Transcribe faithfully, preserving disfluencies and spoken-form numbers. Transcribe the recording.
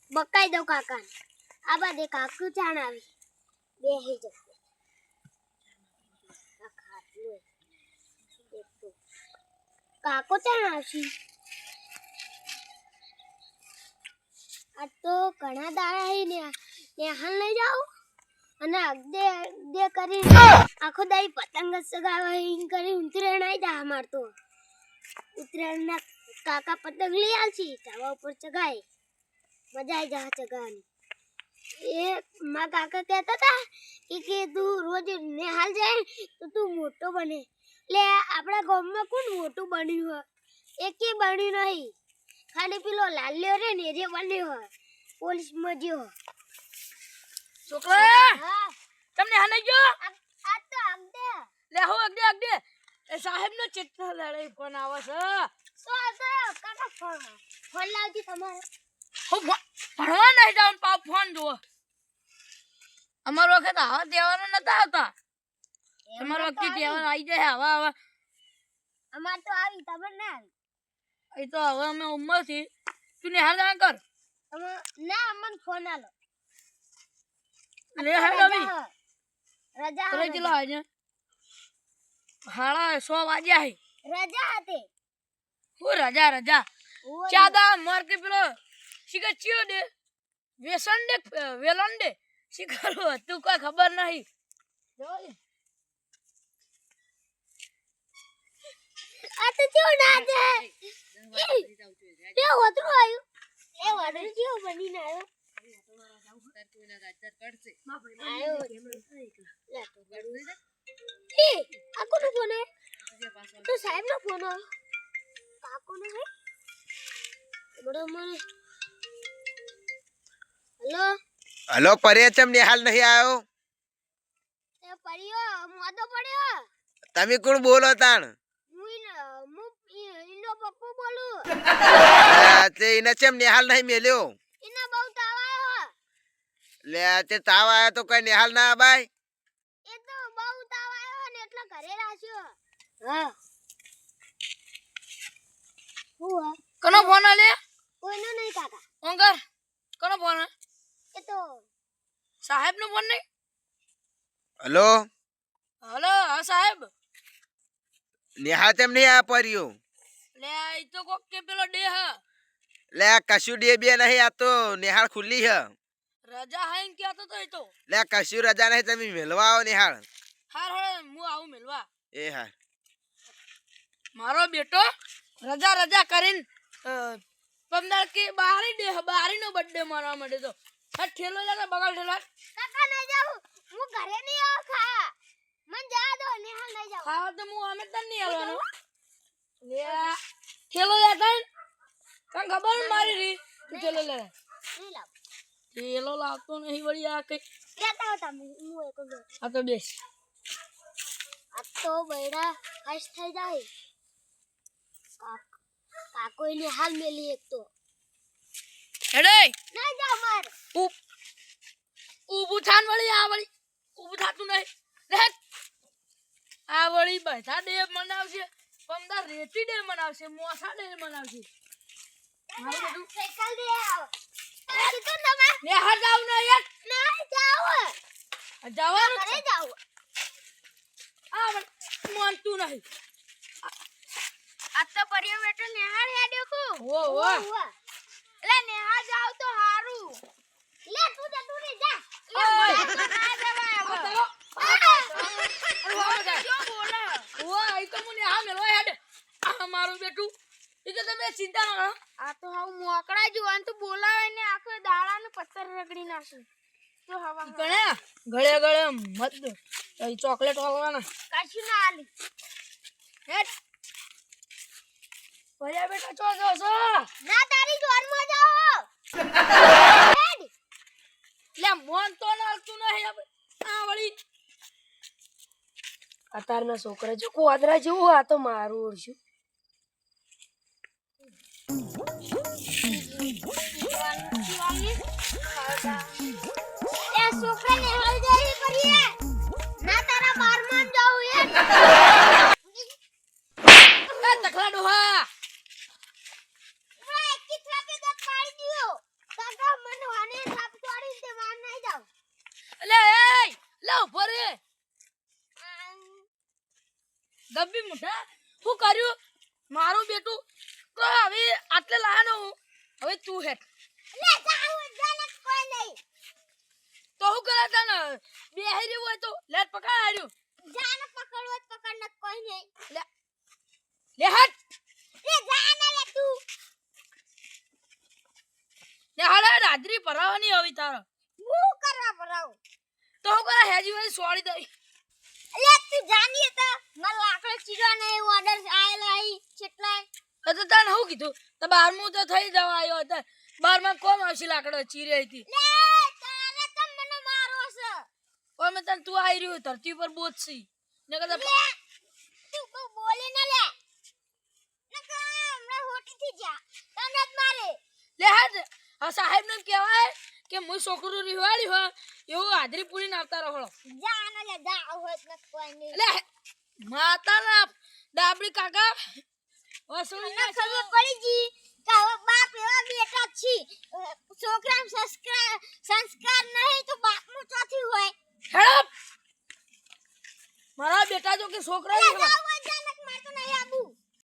બકાઈ દો કાકા આ બાદ એક કાકુ ચાણ આવી બેહી જશે આ ખાટલો દેખો કાકો ચાણ આવશી આ તો ઘણા દાડા હી ને નેહાલ લઈ જાવ અને અગદે અગદે કરી આખો દાઈ પતંગ સગાવા હિんકરી ઉતરેણ આઈ જા માર તો ઉતરેણ ના કાકા પતંગ લઈ આવશી ચાવા ઉપર ચગાય મજા આવી જા ચગાવાની એ માં કાકા કહેતા હતા કે કે તું રોજ નેહાલ જાય તો તું મોટો બને લે આપણા ગામમાં કોણ મોટું બન્યું હોય એકે બન્યું નહીં ખાલી પેલો લાલ્યો રે ને રે બન્યો હોય પોલીસ માં ગયો છોકરા હા તમને હાલે ગયો આ તો આગદે લે હો આગદે આગદે એ સાહેબ નો ચિત્ર લડાઈ ફોન આવે છે સો આ કાકા ફોન ફોન લાવજી તમારે હો ભણવા નહીં જાવ પા ફોન જુઓ અમારો વખત આવા તહેવારો નતા આવતા તમારો વખતે તહેવાર આવી જાય આવા આવા અમાર તો આવી ખબર ના આવી એ તો હવે અમે ઉંમર થી તું ને હાલ કર અમે ના અમન ફોન આલો લે હાલ આવી રજા કરે ચલો આજે હાડા સો વાગ્યા હે રજા હતી હું રજા રજા ચાદા માર કે પેલો શિખર ચિયો દે વેસન દે વેલન દે શિખર તું કોઈ ખબર નહીં આ તો જો ના દે એ હોતરો આયો એ વાડર જેવો બનીને આયો એ આ કોનો ફોન હે તો સાહેબ નો ફોન હે કાકો નો હે બડો મને હેલો હલો પરે ચમ નિહાલ નહીં આવ્યો એ પરિયો મોદો પડ્યો તમે કોણ બોલો તાણ હું હું ઇનો પપ્પુ બોલું તે એને ચમ નિહાલ નહીં મેલ્યો ઇના બહુ તાવ આવ્યો લે તે તાવ આવ્યો તો કઈ નિહાલ ના બાય એ તો બહુ તાવ આવ્યો ને એટલે ઘરે રાખ્યો હા હું કનો ફોન આલે કોઈનો નહીં કાકા ઓંગર કનો ફોન એ તો સાહેબ નો ફોન નહીં હલો હલો હા સાહેબ નિહાલ તેમ નહીં આ પર્યો લે આ તો કોક કે પેલો ડે હ લે આ કશું ડે બે નહીં આ તો નિહાળ ખુલ્લી હ રજા હાઈન કેતો તો એ તો લે કશું રજા નહીં તમે મેલવા આવો નિહાળ હાર હાર હું આવું મેલવા એ હાર મારો બેટો રજા રજા કરીને પંદર કે બારી ડે બારી નો બર્થડે મારવા માંડે તો આ ઠેલો લે બગાડ ઠેલો કાકા નહીં જાઉં હું ઘરે નહીં આવ ખા મન જા દો નિહાલ નહીં જાવ ખાવા તો હું અમે તને નહીં આવવાનો લે ઠેલો લે તને કાં ખબર મારી રી ઠેલો લે નહીં લાવ ઠેલો લાવતો નહીં વળી આ કઈ લેતા હતા હું એક જ આ તો બેસ આ તો બૈડા હસ થઈ જાય કાકો નિહાલ મેલી એક તો હેડે ના જા માર ઉપ ઉભું થાન વળી આ વળી ઉભું થાતું નહીં લે આ વળી બધા ડે મનાવશે પંદર રેતી ડે મનાવશે મોસા ડે મનાવશે મારું બધું સાયકલ દે આવ એ તો તમે ને હાર જાવ ને યાર ના જાવ જવાનું ઘરે જાવ આ માનતું નહીં આ તો પરિયો બેટો નિહાળ હેડ્યો કો ઓ ઓ લે નિહાળ જાવ તો હારું લે તું જા તું રે જા લે ના જવાય ઓ આઈ તો મને આ મેલો હેડ આ મારું બેટું એ તો તમે ચિંતા ન કરો આ તો હાવ મોકળા જુવાન તો બોલાવે ને આખો દાડા ને પથ્થર રગડી નાખે તો હવા ગણે ગળે ગળે મત એ ચોકલેટ વાળવાના કશું ના આલી હેડ ભયા બેટા ચો જો છો ના તારી જોરમાં જાઓ હેડ લે મોન તો નાલતું નહીં આ વળી અતારના છોકરા જો કોદરા જેવું આ તો મારું ઓરશું એ છોકરા ને હાલ જાય કરીએ ના તારા બારમાન જાવ એ એ તખલા ડોહા એક કી થાકે દત પાડી દિયો કાકા મને ગબ્બી મુઠા શું કર્યું મારું બેટું તો હવે આટલે લાનો હું હવે તું હેઠ લે જાઉં જાને કોઈ નહીં તો હું કરે તને બેહી રહ્યું હોય તો લેટ પકડ હાર્યું જાને પકડવો જ પકડ ન કોઈ નહીં લે લે હટ લે જાને લે તું લે હાડે રાત્રી પરાવાની હવે તારો હું કરવા ભરાવ તો હું કરે હેજી વાળી સોળી દઈ લે તું જાની તો માર લાકડો ચીરવાનો એ ઓર્ડર આયેલો આઈ કેટલાય તો તને શું કીધું તો બારમું તો થઈ જવા આવ્યો હતો બારમાં કોમ આવશે લાકડો ચીરે હતી લે તારે તો મને મારો છે ઓય મેં તને તું આવી રહ્યું ધરતી ઉપર બોચસી ને કદા લે તું કો બોલે ન લે નકા હમણાં હોટી થી જા તને જ મારે લે હાડ આ સાહેબ ને કહેવાય કે હું છોકરું રિવાડી હો એવું હાજરી પૂરી નાખતા રહો જાને લે જા હોત ન કોઈ નહીં લે માતાના ડાબડી કાકા વસૂલી મને ખબર પડી જી કે હવે બાપ એવા બેટા છી છોકરામ સંસ્કાર સંસ્કાર નહીં તો બાપનું ચોથી હોય હેડપ મારા બેટા જો કે છોકરા લે જાવ